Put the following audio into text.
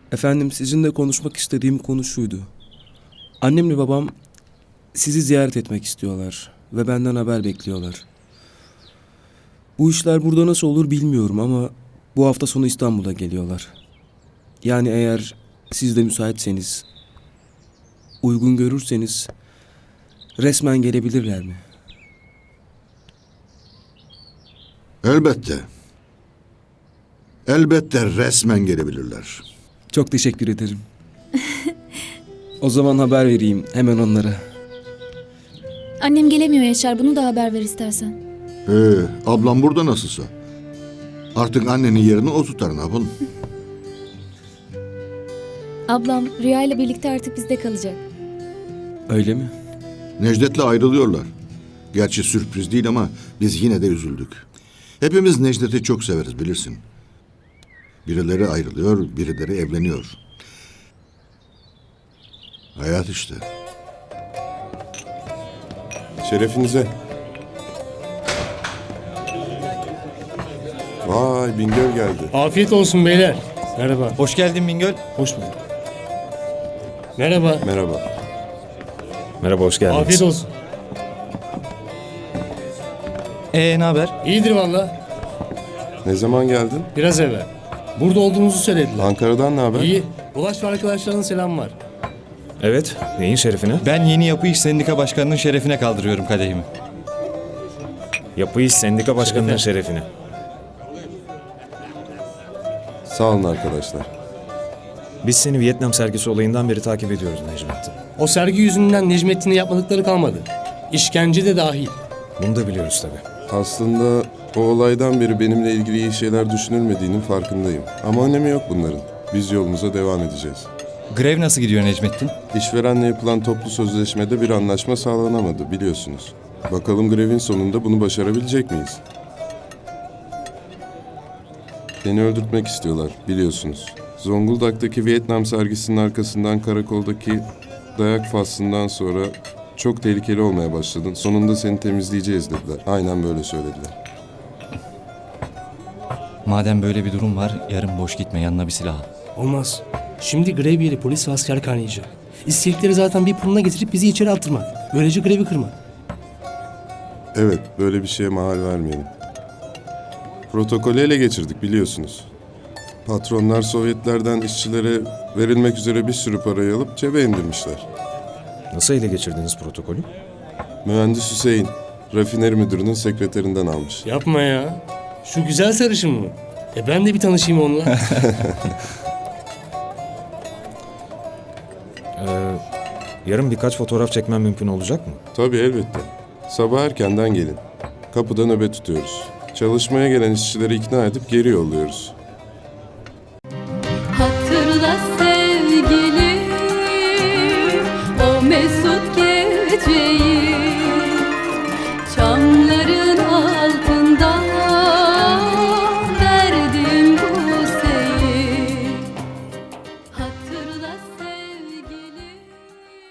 Efendim, sizinle konuşmak istediğim konu şuydu. Annemle babam sizi ziyaret etmek istiyorlar ve benden haber bekliyorlar. Bu işler burada nasıl olur bilmiyorum ama bu hafta sonu İstanbul'a geliyorlar. Yani eğer siz de müsaitseniz, uygun görürseniz resmen gelebilirler mi? Elbette. Elbette resmen gelebilirler. Çok teşekkür ederim. O zaman haber vereyim hemen onlara. Annem gelemiyor Yaşar, bunu da haber ver istersen. Ablam burada nasılsa. Artık annenin yerini o tutar, ne yapalım? Ablam Rüya ile birlikte artık bizde kalacak. Öyle mi? Necdet'le ayrılıyorlar. Gerçi sürpriz değil ama biz yine de üzüldük. Hepimiz Necdet'i çok severiz, bilirsin. Birileri ayrılıyor, birileri evleniyor. Hayat işte. Şerefinize. Vay, Bingöl geldi. Afiyet olsun beyler. Merhaba. Hoş geldin Bingöl. Hoş bulduk. Merhaba. Merhaba. Merhaba, hoş geldiniz. Afiyet olsun. Ne haber? İyidir valla. Ne zaman geldin? Biraz evvel. Burada olduğunuzu söylediler. Ankara'dan ne haber? İyi. Ulaş ve arkadaşlarının selam var. Evet, neyin şerefine? Ben Yeni Yapı İş Sendika Başkanı'nın şerefine kaldırıyorum kadehimi. Yapı İş Sendika Başkanı'nın şerefine. Sağ olun arkadaşlar. Biz seni Vietnam sergisi olayından beri takip ediyoruz Necmettin. O sergi yüzünden Necmettin'e yapmadıkları kalmadı. İşkence de dahil. Bunu da biliyoruz tabii. Aslında o olaydan beri benimle ilgili iyi şeyler düşünülmediğinin farkındayım. Ama önemi yok bunların. Biz yolumuza devam edeceğiz. Grev nasıl gidiyor Necmettin? İşverenle yapılan toplu sözleşmede bir anlaşma sağlanamadı, biliyorsunuz. Bakalım grevin sonunda bunu başarabilecek miyiz? Beni öldürtmek istiyorlar, biliyorsunuz. Zonguldak'taki Vietnam sergisinin arkasından karakoldaki dayak faslından sonra çok tehlikeli olmaya başladın. Sonunda seni temizleyeceğiz dediler. Aynen böyle söylediler. Madem böyle bir durum var, yarın boş gitme, yanına bir silah al. Olmaz. Şimdi grev yeri polis ve asker kaynayacak. İstedikleri zaten bir puluna getirip bizi içeri attırmak. Böylece grevi kırmak. Evet, böyle bir şeye mahal vermeyelim. Protokolü ele geçirdik, biliyorsunuz. Patronlar Sovyetlerden işçilere verilmek üzere bir sürü parayı alıp cebe indirmişler. Nasıl ele geçirdiniz protokolü? Mühendis Hüseyin, rafineri müdürünün sekreterinden almış. Yapma ya. Şu güzel sarışın mı? Ben de bir tanışayım onunla. Yarın birkaç fotoğraf çekmem mümkün olacak mı? Tabii, elbette. Sabah erkenden gelin. Kapıda nöbet tutuyoruz. Çalışmaya gelen işçileri ikna edip geri yolluyoruz. Hatırla sevgilim o mesut geceyi.